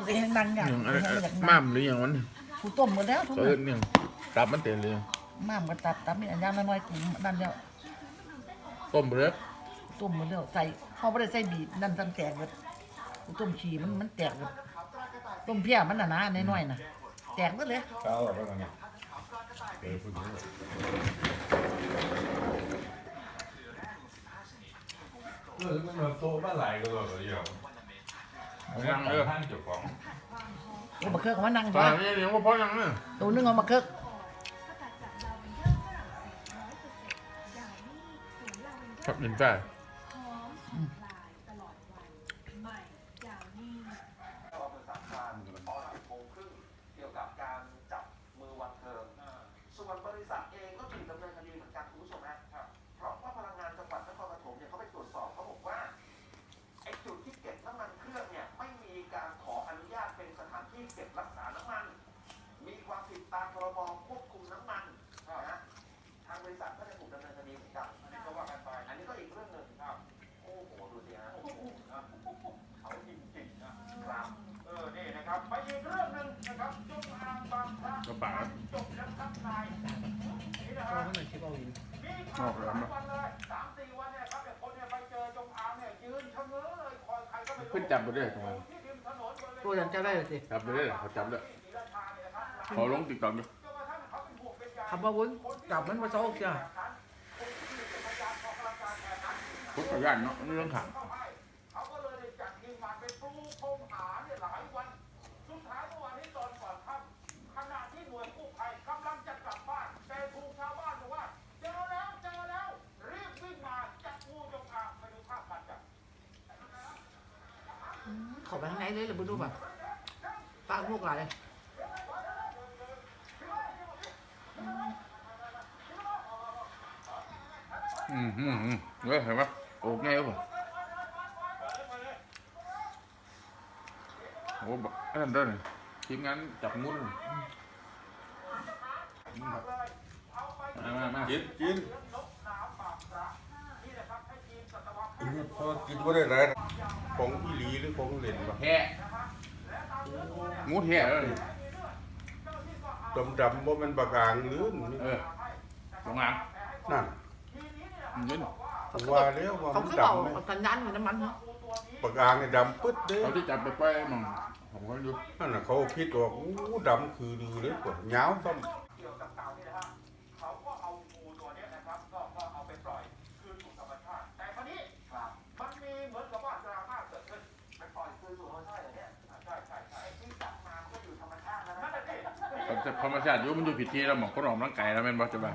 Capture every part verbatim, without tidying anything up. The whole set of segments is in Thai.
ก็ยังดังอย่างม่ามหรืออย่างนั้นกูต้มหมดแล้วทุกอย่างเนี่ยตับมันเต็มเลยม่ามกับตับตับมีอันยางน้อยๆกูนั่นแล้วต้มไปเลยต้มหมดแล้วใส่เขาไม่ได้ใส่บีบนั่นตั้งแตกเลยกูต้มขี้มันมันแตกเลยต้มเพี้ยมันหนาๆน้อยๆน่ะแตกหมดเลยเขาแบบว่าไงเออพูดถึงเออมันมาโตบ้านไหลก็เลยเดียวนั่งเออท่านเจ้าของโอ้มาเคิร์กมานั่งตอนนี้เลี้ยงว่าพ่อยังเนี่ยตัวนึงเอามาเคิร์กครับหนึ่งใจส่วนบริษัทเองก็ถูกดำเนินคดีเหมือนกันคุณผู้ชมฮะเพราะว่าพลังงานจังหวัดนครปฐมเนี่ยเขาไปตรวจสอบเขาบอกว่าไอ้จุดที่เก็บน้ำมันเครื่องเนี่ยไม่มีการขออนุญาตเป็นสถานที่เก็บรักษาน้ำมันมีความผิดตามพรบควบคุมน้ำมันนะทางบริษัทก็จะถูกดำเนินคดีเหมือนกันอันนี้ก็ว่ากันไปอันนี้ก็อีกเรื่องหนึ่งครับโอ้โหดูสิฮะเขาจริงๆนะครับเออนี่นะครับไปอีกเรื่องหนึ่งนะครับจงอางบางพระกระป๋าจบแล้วครับนายนี่นะครับบมีข่าวสามวันเลยสามสี่วันเนี่ยครับเด็กคนเนี่ยไปเจอจงอางเนี่ยยืนชะเง้อเลยคอยใครก็ไม่รู้ขึ้นจับไปด้วยทำไมตัวยังจะได้เลยสิจับไปด้วยเขาจับด้วยขอลงติ๊กต็อกด้วยคำว่าวุ้นจับมันมาโซ่เชียวพุทธญาณเนาะเรื่องขังเขาก็เลยจัดทีมงานไปปูพรมหาเนี่ยหลายวันสุดท้ายเมื่อวานนี้ตอนก่อนค่ำขณะที่หน่วยกู้ภัยกำลังจะกลับบ้านแต่ถูกชาวบ้านบอกว่าเจอแล้วเจอแล้วรีบวิ่งมาจับงูจงอางไปดูภาพกันจ้ะขอไปข้างในเลยหรือไม่รู้แบบปากลูกหลายอืมอืมอืมเฮ้ยเห็นปะโอ้ง่ายป่ะโอ้แบบนั่นด้วยทีมงานจับงูมามามากินกินพอกินก็ได้ไรของอีหลีหรือของเล่นวะแห่งูแห่เลยดำดำว่ามันปากกางหรือเออตรงนั้นนั่นยืนว่าแล้วว่าเขามันคือดเบาำสัญญาณอยู่น้ำมันเนาะปากกางเนี่ยดำปึ๊ดเด้เขาที่จับไปไปมั่งผมก็ดูนั่นน่ะเขาคิดว่าอู้ดำคือดือเลยกว่าเหงาซ้ำเกี่ยวกับเต่านี่นะฮะเขาก็เอางูตัวนี้นะครับก็ก็เอาไปปล่อยคืนสู่ธรรมชาติแต่คราวนี้มันมีเหมือนกับว่าดราม่าเกิดขึ้นไปปล่อยคืนสู่ธรรมชาติอย่างเนี้ยใช่ใช่ใช่ที่จับมามันก็อยู่ธรรมชาตินะนั่นแหละแต่ธรรมชาติอยู่มันอยู่ผิดที่แล้วหมอกคนออกร่างกายแล้วแม่นบอกจะบ้า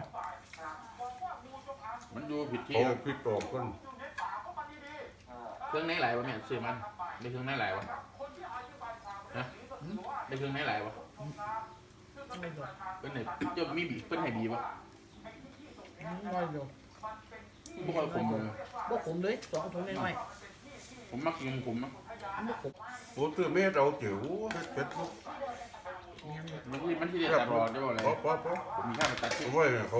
มันอยู่ผิดที่โอ้ผิดตรงคนเครื่องไหนไหลวะแม่ซื้อมันได้เครื่องไหนไหลวะฮะได้เครื่องไหนไหลวะเป็นไหนจะมีบีเป็นไหนบีวะน้อยเดียวบุกเอาผมเลยบกขมเลยสองถุงน้อยผมมักกินผมมั้งโอ้ตัวเม็ดเราจิ๋วเป็ดมันที่มันที่เด็ดตลอดได้บ่เลยผมมีข้าวมาตัดที่ไว้เขา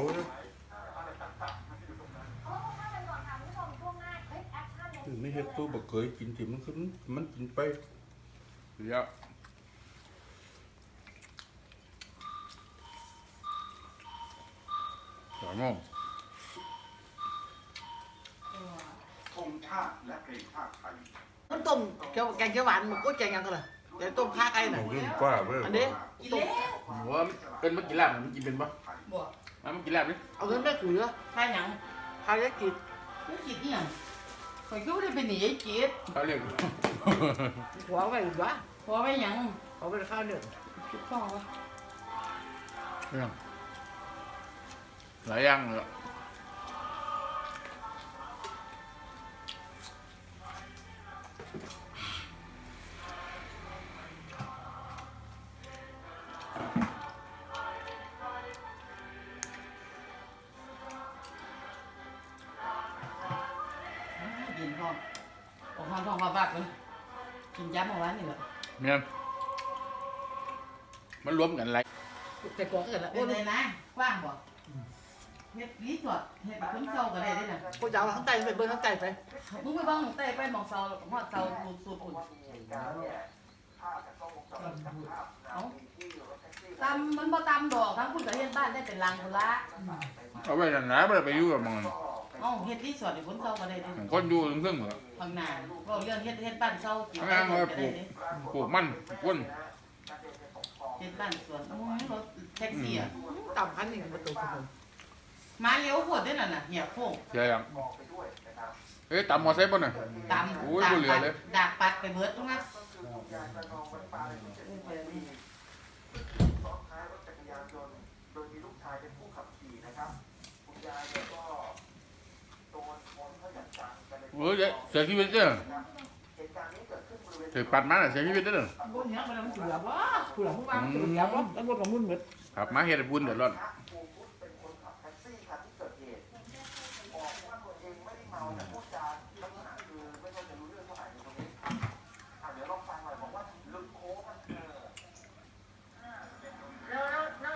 ไม่เห็นตัวบักเคยกินที่มันขึ้นมันกินไปเยอะสองโมงธงชาติและเพลงชาติไทยมันต้มแกงแกงเขียวหวานมันก็แกงยังกันเลยแกงต้มข้าไก่น่ะป้าเว้ยอันนี้ต้มหัวเป็นเมื่อกี้ลาบมันกินเป็นปะบ่มาเมื่อกี้ลาบนี่เอาเงินแม่ขือข้าหยังข้าเล็กจิตเล็กจิตนี่ยังคอยก็ไม่ได้เป็นหนีไอ้จิตเขาเรียกหัวไปหรือวะหัวไปยังเขาไปข้าวเดือดคิดพ่อวะเรื่องหลายอย่างเลยกินห้องออกห้องท้องมาบากเลยกินย้ำเอาไว้นี่แหละเนี่ยมันรวมกันอะไรแต่ก่อนเกิดละโอ้ยนะกว้างบ่เฮ็ดรีสอร์ทเฮ็ดเป็นเสาก็ได้ด้วยนะกูจะเอาข้างใต้ไปเบิ้งข้างใต้ไปมึงไปเบิ้งข้างใต้ไปมองเสาหอดเสาสูบสูบอุ่นตำมันบ่ตำดอกทั้งคุณกับเฮ็ดบ้านได้เป็นรังพุ่นละเอาไว้กันนะไม่ได้ไปอยู่กับมันเอ้าเฮ็ดรีสอร์ทให้คนเซาก็ได้เด้คนอยู่ถึงเครื่องเหมือนข้างหน้าเราเรื่องเฮ็ดเฮ็ดบ้านเซากินข้างได้ล่างก็ก็ปลูได้กเด้ปลูกมันก้นเฮ็ดบ้านสวนโอ้ยรถแท็กซี่อ่ะต่ำอันนี้ประตูทุกคนมาเลี้ยวโพดเด้นั่นน่ะเหียโค้งเสียยังเอ๊ะตำมอไซค์ป่ะเนี่ยตำโอ้ยดาบ่กเหลือปัดเลยดากปัดไปเบิดตรงนั้นซ้อนท้ายรถจักรยานยนต์โดยมีลูกชายเป็นผู้ขับขี่นะครับคุณยายเนี่ยก็โดนชนเข้าอย่างจังกันเลยโอ้ยเสียชีวิตเนี่ยเหตุการณ์นี้เกิดขึ้นบริเวณถือปัดมาเสียชีวิตเนี่ยบนเนี้ยมันมันเสือวะเสือผู้วางเสือวะแล้วรถกับมุ่นเหมือนครับมาเฮ็ดบุญเดือดร้อนพระภูมิวุฒิเป็นคนขับแท็กซี่คันที่เกิดเหตุบอกว่าตัวเองไม่ได้เมาแต่พูดจาลักษณะคือไม่ค่อยจะรู้เรื่องเท่าไหร่ในตรงนี้อ่ะเดี๋ยวลองฟังหน่อยบอกว่าลึกโค้งมันเออแล้วแล้วแล้ว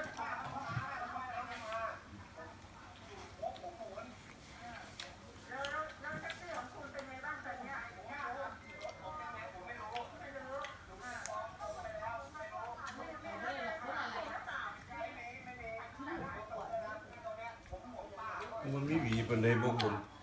มันไม่หวีเป็นเลยพวกผม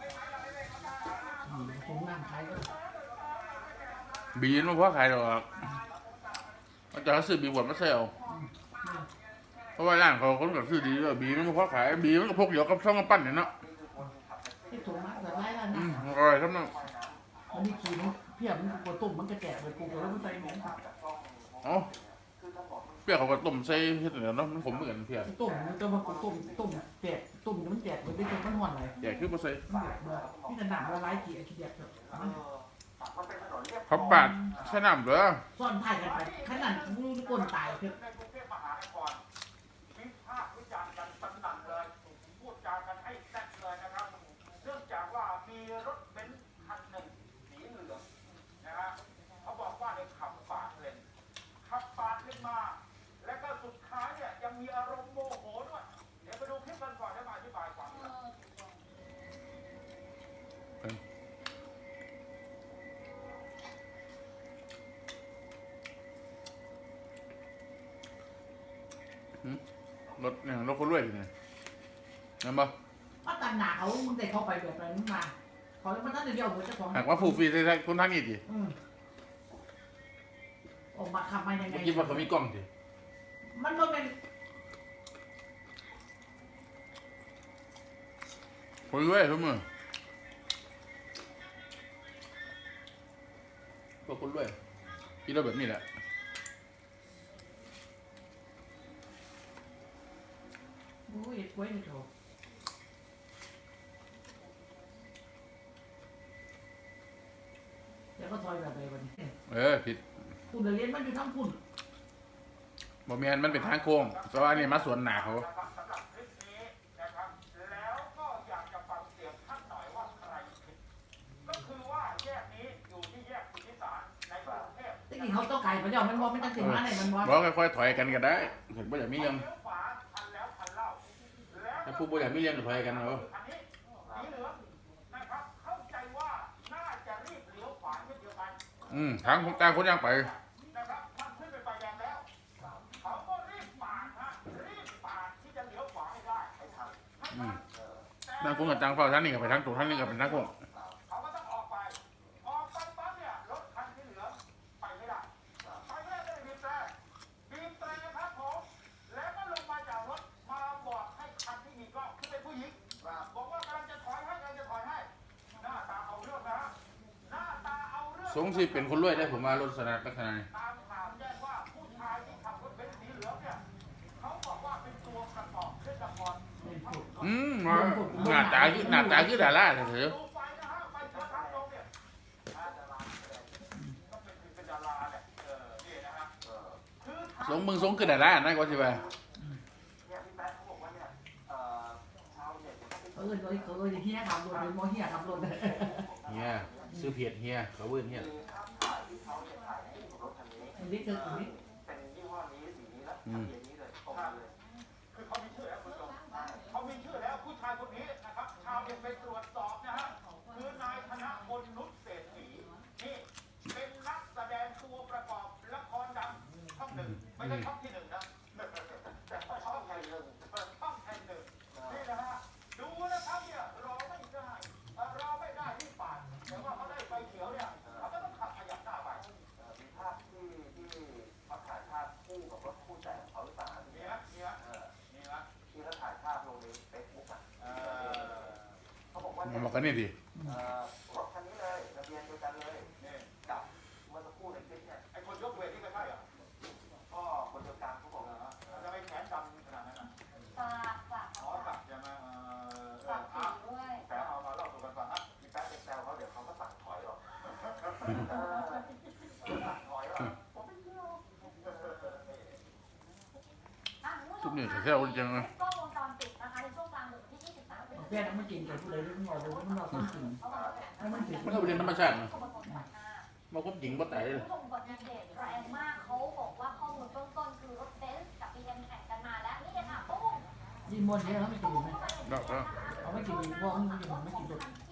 ผมนั่งขายก็บีนมาเพราะใครหรอกมันจะซื้อบีบวชมาเซลเพราะว่าร้านเขาคนกับซื้อดีด้วยบีมันเพราะขายบีมันก็พกเดียวกับช่องกำปั้นเนี่ยเนาะที่ถุงมาแต่ไรแล้วอืนะมอร่อยครับเนาะมันมีขีมันเพียบมันกลัวตุ่มมันกระแจกเลยกูแล้วมันใส่หมูอ๋อเปรี้ยวเขาก็ต้มใส่เฮ็ดเดี๋ยวเนาะมันขมเหมือนกันเพี้ยตุ่มมันจะมาตุ่มตุ่มแตกตุ่มมันแตกมันไม่ใช่มันห่อนเลยแจกคือบ่ใส่นี่จะหนามละลายขีดขีดเดียบมันเป็นถนนเรียบเขาปาดใส่น้ำเด้อซ่อนถ่ายกันไปขนาดมือก้นตายคือในกรุงเทพมหานครวิพากษ์วิจารณ์กันสนั่นเลยพูดจากันให้แซ่บเลยนะครับเนื่องจากว่ามีรถเบนซ์คันหนึ่งสีเหลืองนะฮะเขาบอกว่าในขับปาดเลนขับปาดเลนมา และก็สุดท้ายเนี่ยยังมีอารมณ์โมโหด้วยเดี๋ยวไปดูคลิปกันก่อนแล้วมาอธิบายความรถเนี่ยรถคนรวยอยู่เนี่ยนั่นบ่ว่าตันหนาเขามึงได้เข้าไปแบบนั้นมาเขาแล้วมันตั้งแต่เดียวหัวเจ้าของหากว่าฟูฟรีใส่คนทางนี้ดิอืมออกมาทำมายังไงเมื่อกี้ว่าเขามีกล้องดิมันก็เป็นคนรวยทุกมื้อพวกคนรวยคิดว่าแบบนี้แหละโอ้ยกล้วยนี่เขาแล้วก็ทอยแบบไหนวันนี้เออผิดคุณเรียนมันอยู่ทั้งคุณบ่แม่นมันเป็นทางโค้งแต่ว่าอันนี้มาสวนหนาเขาสำหรับคลิปนี้นะครับแล้วก็อยากจะฟังเสียงท่านหน่อยว่าใครผิดก็คือว่าแยกนี้อยู่ที่แยกสุทธิสารในกรุงเทพที่กินเขาต้องไก่มันยอมมันบอมันจะถึงมาไหนมันบอบอกค่อยๆถอยกันก็ได้ถึงบ่อยากมีเรื่องเลี้ยวขวาทันแล้วทันเล่าแล้วถ้าผู้บ่อยากมีเรื่องก็ถอยกันเอาอันนี้สีเหลืองนะครับเข้าใจว่าน่าจะรีบเลี้ยวขวาเช่นเดียวกันอืมทางของต่างคนย่างไปนะครับมันขึ้นไปไฟแดงแล้วเขาก็รีบปาดฮะรีบปาดที่จะเลี้ยวขวาให้ได้ให้ทันให้อืทัมนทางคนกับทางเฝ้าทางนี้ก็ไปทางตรงทางนี้ก็เป็นทางโค้งเขาก็ต้องออกไป ออกไปปั๊บเนี่ยรถคันที่เหลือไปไม่ได้ไปไม่ได้ก็เลยบีบแตรบีบแตรนะครับผมแล้วก็ลงมาจากรถมาบอกให้คันที่มีกล้องที่เป็นผู้หญิงบอกว่ากำลังจะถอยให้กำลังจะถอยให้หน้าตาเอาเรื่องนะหน้าตาเอาเรื่องสงสิเป็นคนรวยได้ผมว่ารถสนัดลักษณะนี้ตามข่าวแจ้งว่าผู้ชายที่ขับรถเบนซ์สีเหลืองเนี่ยเขาบอกว่าเป็นตัวประกอบเครื่องละครอืมหน้าตาคือหน้าตาคือดาราเถอะดูไฟนะฮะไฟกระทะลงเนี่ยอ่าดาราแสดงก็เป็นเป็นดาราเนี่ยเออนี่นะฮะเออคือสงมึงสงคือดารานะก็สิว่าเนี่ยพี่แป๊ะเขาบอกว่าเนี่ยเอ่อชาวเน็ตเนี่ยเขาเป็นเออเออเออเฮียขับรถเป็นมอเฮียขับรถเลยเฮียซื้อเพจเฮียเขาเวิ้นเฮียคือภาพถ่ายที่เขาเนี่ยถ่ายคู่กับรถคันนี้อันนี้คืออันนี้เป็นยี่ห้อนี้สีนี้และทะเบียนนี้เลยตรงเลยคือเขามีชื่อแล้วคุณผู้ชมเขามีชื่อแล้วผู้ชายคนนี้นะครับชาวเน็ตไปตรวจสอบนะฮะคือนายธนพลนุชเศรษฐีนี่เป็นนักแสดงตัวประกอบละครดังช่องหนึ่งไม่ใช่ช่องที่หนึ่งนะมันบอกกันนี่ดิเอ่อรถคันนี้เลยทะเบียนเดียวกันเลยกับเมื่อสักครู่ในคลิปเนี่ยไอ้คนยกเวทนี่ไม่ใช่เหรอก็คนเดียวกันเขาบอกเหรอฮะแล้วจะไม่แขนดำขนาดนั้นอ่ะฝากฝากอ๋อตัดใช่ไหมเออเอฝาอกผีอ่ะด้วยแต่เอามาเล่าสู่กันฟังอ่ะมีแป๊บเป็นแซวเขาเดี๋ยวเขาก็สั่งถอยหรอกเออสั่งถอยหรอกผมไม่เชื่ออ่ะคุณผู้ชทุกมนี่คะแซวๆจังเลยกล้องวงจรปิดนะคะในช่วงกลางดึกที่ยี่สิบสามพฤศจิแป้กาง ยนมันกินกับผู้ใดเรื่องเราเลยมันเราต้องกินเขาบอกว่าแล้วมันถึงมันก็เป็นธรรมชาตินะเขาบอกว่าก่อนหน้ามาควบจริงบ่ตายเลยคุณผู้ชมอุบัติเหตุแรงมากเขาบอกว่าข้อมูลเบื้องต้นคือรถเบนซ์กับบีเอ็มแข่งกันมาแล้วนี่ค่ะตุ้มยินมนต์เนี่ยเขาไม่กินไหมดอกแล้วเอาไม่กินเพราะมันกินไม่กินรส